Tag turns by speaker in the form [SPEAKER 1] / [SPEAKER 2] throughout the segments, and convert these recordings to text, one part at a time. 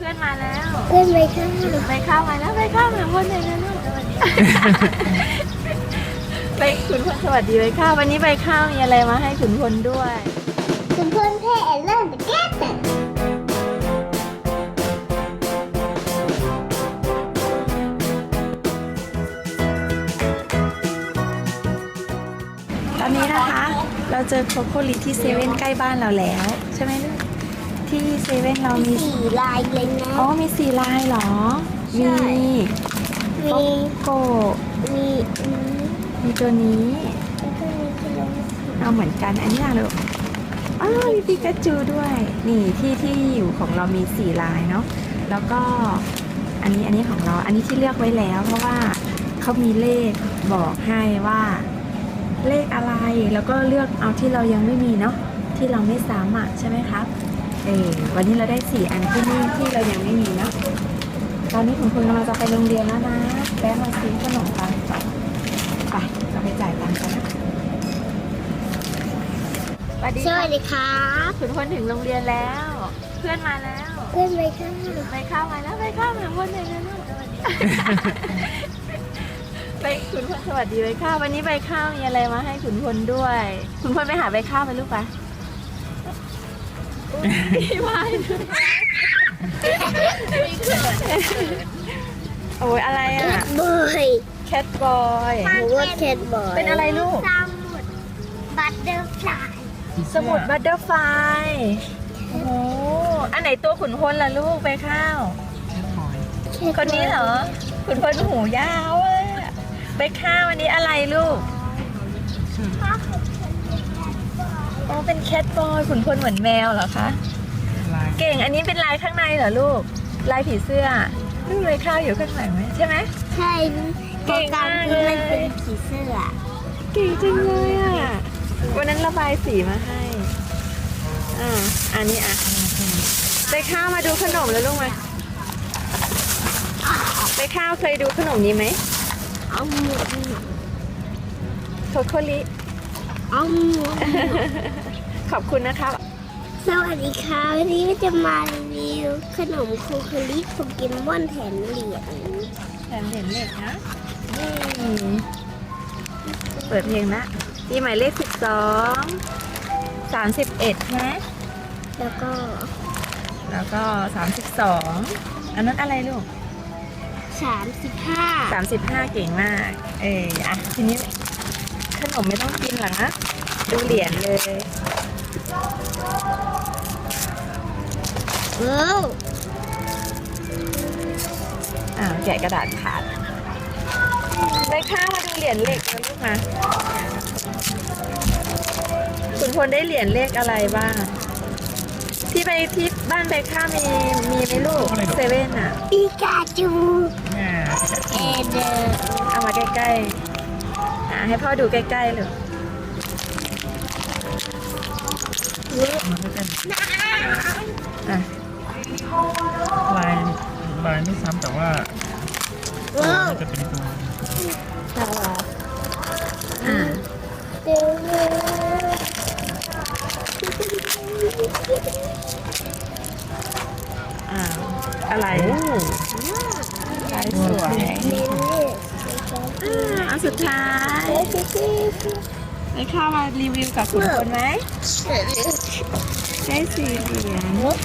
[SPEAKER 1] พื่อนมาแล้ว
[SPEAKER 2] เพื่อนไปข้าง
[SPEAKER 1] ไปข้าวมาแล้วไปข้าวมาคนไหนนะลูกสวัสดีไปขุนพลสวัสดีไปข้าววันนี้ไปข้าวมีอะไรมาให้ขุนพลด้วย
[SPEAKER 2] คุณเพื่อนเพ่เริ่มแต่แก้แต่
[SPEAKER 1] ตอนนี้นะคะเราเจอโคโค่ลิที่เซเว่นใกล้บ้านเราแล้วใช่ไหมลูกที่เซเว่นเรามี
[SPEAKER 2] สี่ลายเลยนะ
[SPEAKER 1] อ๋อมี4 ลายเหรอ
[SPEAKER 2] ใช่
[SPEAKER 1] มี
[SPEAKER 2] มี
[SPEAKER 1] โก
[SPEAKER 2] มีอันนี้
[SPEAKER 1] มีตัวนี้
[SPEAKER 2] แล้วก็มีขนม
[SPEAKER 1] เอาเหมือนกันอันนี้อะลูกอ้าวมีปิกาจูด้วยนี่ที่อยู่ของเรามี4 ลายเนาะแล้วก็อันนี้ของเราอันนี้ที่เลือกไว้แล้วเพราะว่าเขามีเลขบอกให้ว่าเลขอะไรแล้วก็เลือกเอาที่เรายังไม่มีเนาะที่เราไม่ซ้ำอ่ะใช่ไหมครับวันนี้เราได้4 อันที่นี่ที่เรายังไม่มีเนาะตอนนี้คุณกำลังจะไปโรงเรียนแล้วนะแวะมาซื้อขนมปังก่อนไปเราไปจ่ายตังค์กันนะสวัสดี
[SPEAKER 2] สวัสดีครับ
[SPEAKER 1] คุณพลถึงโรงเรียนแล้ว เพื่อนมาแล้ว
[SPEAKER 2] เพื่อนไปข้าง
[SPEAKER 1] ไปข้าวมาแล้วไปข้าวมาคนไหนนะลูกสวัสดี ไปคุณพลสวัสดีไปข้าววันนี้ไปข้าวมีอะไรมาให้ขุนพลด้วยขุนพลไปหาไปข้าวไปลูกปะพี่วายโอ้ยอะไร
[SPEAKER 2] แค
[SPEAKER 1] อ่ะ
[SPEAKER 2] ทบอย
[SPEAKER 1] แคทบอย
[SPEAKER 2] หรือว่าแคทบอย
[SPEAKER 1] เป็นอะไรลูก
[SPEAKER 2] สมุดบัตเตอร์ฟลาย
[SPEAKER 1] สมุดบัตเตอร์ไฟโอ้โหอันไหนตัวขุนพลล่ะลูกไปข้าวคนนี้เหรอขุนพลหูยาวอ่ะไปข้าวอันนี้อะไรลูกอ๋อเป็นแคทบอยขุนพลเหมือนแมวเหรอคะเก่งอันนี้เป็นลายข้างในเหรอลูกลายผีเสื้อลูกเลยข้าวอยู่ข้างหลังไหมใช่ไหม
[SPEAKER 2] ใช่
[SPEAKER 1] เก่งมากเลย
[SPEAKER 2] มันเป็นผีเสื้อ
[SPEAKER 1] เก่งจังเลยอ่ะวันนั้นระบายสีมาให้อันนี้อ่ะไปข้าวมาดูขนมแล้วลูกมาไปข้าวเคยดูขนมนี้ไหม
[SPEAKER 2] เอาหมด
[SPEAKER 1] โคโคลิ
[SPEAKER 2] เอาหมด
[SPEAKER 1] ขอบคุณนะครับ
[SPEAKER 2] สวัสดีค่ะวันนี้ก็จะมารีวิวขนมโคคลิโปเกมอนแถมเหรียญ
[SPEAKER 1] แถมเหรียญเหล็กนะนี่เปิดเพลงละที่หมายเลข12 31ใช่ไหม
[SPEAKER 2] แล้วก็
[SPEAKER 1] แล้วก็32อันนั้นอะไรลูก
[SPEAKER 2] 35
[SPEAKER 1] 35เก่งมากอ่ะทีนี้ขนมไม่ต้องกินหรอนะดูเหรียญเลย
[SPEAKER 2] ว้าว
[SPEAKER 1] แกะกระดาษขาดไปข้าวมาดูเหรียญเหล็กนะลูกมาคุณพลได้เหรียญเลขอะไรบ้างที่ไปที่บ้านไปข้าวมีไหมลูกเซเว่นอ่ะ
[SPEAKER 2] ปิกาจูเอเดอร์
[SPEAKER 1] เอามาใกล้ๆให้พ่อดูใกล้ๆเลยอ่ะ
[SPEAKER 3] ลายไม่ซ้ำแต่ว่า
[SPEAKER 2] ว้าว
[SPEAKER 3] มันจะเป็นตัว
[SPEAKER 1] อ่ะ
[SPEAKER 2] เดี๋ยว
[SPEAKER 1] อะไรลายสวยเอาสุดท้ายไปข้าวมารีวิวกับคุณคนไหมได้4 เหรียญ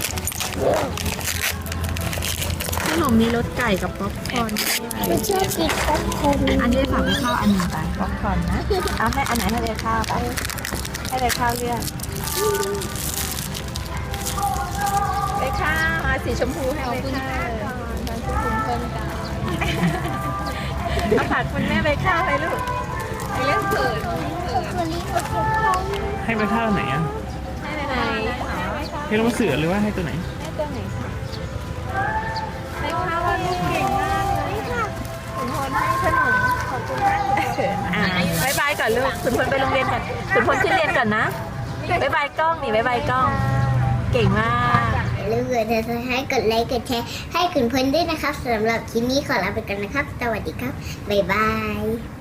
[SPEAKER 1] ขนมมีรสไก่กับป๊อปคอร์นด้วย
[SPEAKER 2] ไม่ชอบกินป๊อปคอร์น
[SPEAKER 1] อันนี้ฝากไปข้าวอันหนึ่งไปป๊อปคอร์นนะเอาให้อันไหนให้เลยข้าวไปให้เลยข้าวเลือกไปข้าวมาสีชมพูให้เลยค่ะเอาฝากคุณแม่ไปข้าวไปลูกไปเล่นเกิด
[SPEAKER 2] โคคลิโปเกมอน
[SPEAKER 3] ให้ไปท่าไหนอ่ะ
[SPEAKER 1] ให้ไปไหน
[SPEAKER 3] ให้ลงเสือหรือว่าให้ตัวไหน
[SPEAKER 1] ให้ตัวไหนคะให้ข้าวว่าลูกเก่งมากเลยค่ะคุณพลให้ขนมขอบคุณมากเลยบายบายก่อนลูกคุณพลไปโรงเรียนก่อนคุณพลขึ้นเรียนก่อนนะบายบายกล้องนี่บายบายกล้องเก่งมาก
[SPEAKER 2] อย่าลืมกดติดตามให้กดไลค์กดแชร์ให้คุณเพื่อนด้วยนะครับสำหรับคลิปนี้ขอลาไปก่อนนะครับสวัสดีครับบ๊ายบาย